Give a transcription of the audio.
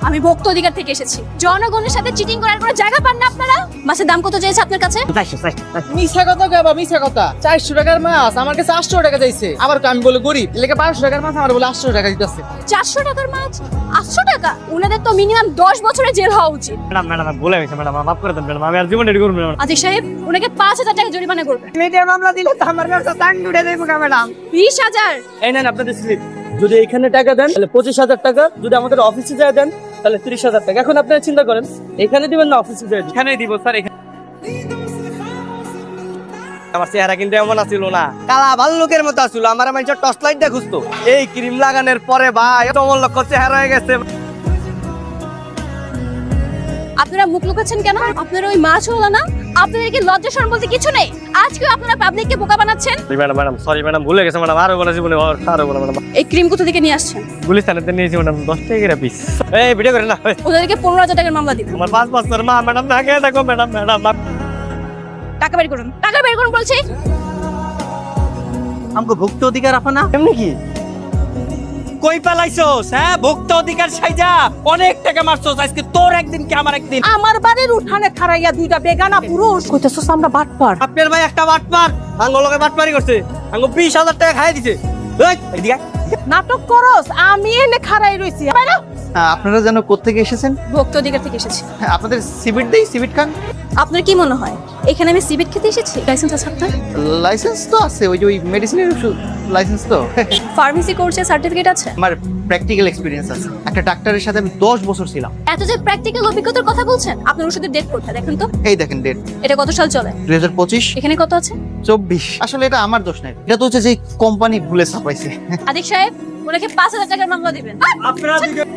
আমি ভোক্তা অধিকার থেকে এসেছি। জনগণের সাথে চিটিং করার কোনো জায়গা পান না আপনারা। মাছের দাম কত চেয়েছে আপনার কাছে? মিছা কথা গাবা, মিছা কথা। 400 টাকার মাছ আমার কাছে 800 টাকা চাইছে। আবার আমি বলে গরিব, এলাকা 500 টাকার মাছ আমার বলে 800 টাকা দিতেছে। 400 টাকার মাছ 800 টাকা? উনাদের তো মিনিমাম 10 বছরের জেল হওয়া উচিত। ম্যাডাম ভুলে গেছে ম্যাডাম, মাফ করে দেন ম্যাডাম, আমি আর জীবনে এটি করবো না। আজিজ সাহেব, উনাকে 5000 টাকা জরিমানা করবেন। মিডিয়া মামলা দিলে তো আমার কাছে টান উঠে দেব ম্যাডাম। 20,000। এই নেন আপনাদের স্লিপ। যদি এখানে টাকা দেন তাহলে 25,000 টাকা, যদি আমাদের অফিসে যায় দেন তাহলে 30,000 টাকা। এখন আপনারা চিন্তা করেন, এখানে দিবেন না অফিসে যায়? এখানেই দিব স্যার। এখানে আমার চেহারা কিন্তু এমন আছিল না, কালা ভাল্লুকের মতো আছিল। আমার মানুষের টর্চ লাইট দিয়ে খুঁজতো। এই ক্রিম লাগানোর পরে ভাই তোমার লক্ষ্য চেহারা হয়ে গেছে। আপনারা মুখ লুকাচ্ছেন কেন? আপনারা ওই মাছ হলো না? আপনাদের কি লজ্জা শরম বলতে কিছু নেই? আজকেও আপনারা পাবলিককে বোকা বানাচ্ছেন। ম্যাডাম সরি ম্যাডাম, ভুলে গেছে ম্যাডাম। আরো বলে জীবনে আরো বলে ম্যাডাম। এই ক্রিম কোথা থেকে নিয়ে আসছেন? গুলিস্তানেতে নিয়েছি ম্যাডাম, 10 টাকা করে পিস। এই ভিডিও করে না, ওদেরকে 15,000 টাকার মামলা দিন। আমার 5 বছর মা ম্যাডাম না খেয়ে দেখো ম্যাডাম। টাকা বের করুন, টাকা বের করুন বলছি। আমাকে ভোক্তা অধিকার আপা না? এমনি কি কই পালাইছস? হ্যাঁ, ভোক্তা অধিকার সাইজা অনেক টাকা মারছস। আজকে তোর একদিন কি আমার একদিন। আমার বাড়ির উঠানে খাড়াইয়া দুইটা বেগানা পুরুষ কইতেছস আমরা বাটপার। আপনার ভাই একটা বাটপার, আঙ্গলকে বাটপারি করছে। আঙ্গ 20,000 টাকা খাইয়ে দিছে। এই এদিকে আয়। নাটক করস, আমি এনে খাড়াই রইছি। বাইরে আপনারা যেন কোত্থেকে এসেছেন? ভোক্তা অধিকার থেকে এসেছি। আপনাদের সিভিট দেই, সিভিট খান। আপনার কি মনে হয় এখানে আমি সিভিট খেতে এসেছি? লাইসেন্স আছে আপনার? লাইসেন্স তো আছে, ওই যে ওই মেডিসিনের লাইসেন্স তো। ফার্মেসি কোর্সের সার্টিফিকেট আছে? আমার প্র্যাকটিক্যাল এক্সপিরিয়েন্স আছে। একটা ডাক্তারের সাথে আমি 10 বছর ছিলাম। এত যে প্র্যাকটিক্যাল অভিজ্ঞতার কথা বলছেন, আপনার ওষুধের ডেট কোথায় দেখেন তো? এই দেখেন ডেট, এটা কত সাল চলে? 2025 এখানে কত আছে? 24। আসলে এটা আমার দোষ নাই, এটা তো হচ্ছে যে কোম্পানি ভুলে ছাপাইছে। আদিক সাহেব, ওনাকে 5,000 টাকার মামলা দিবেন। আপনারা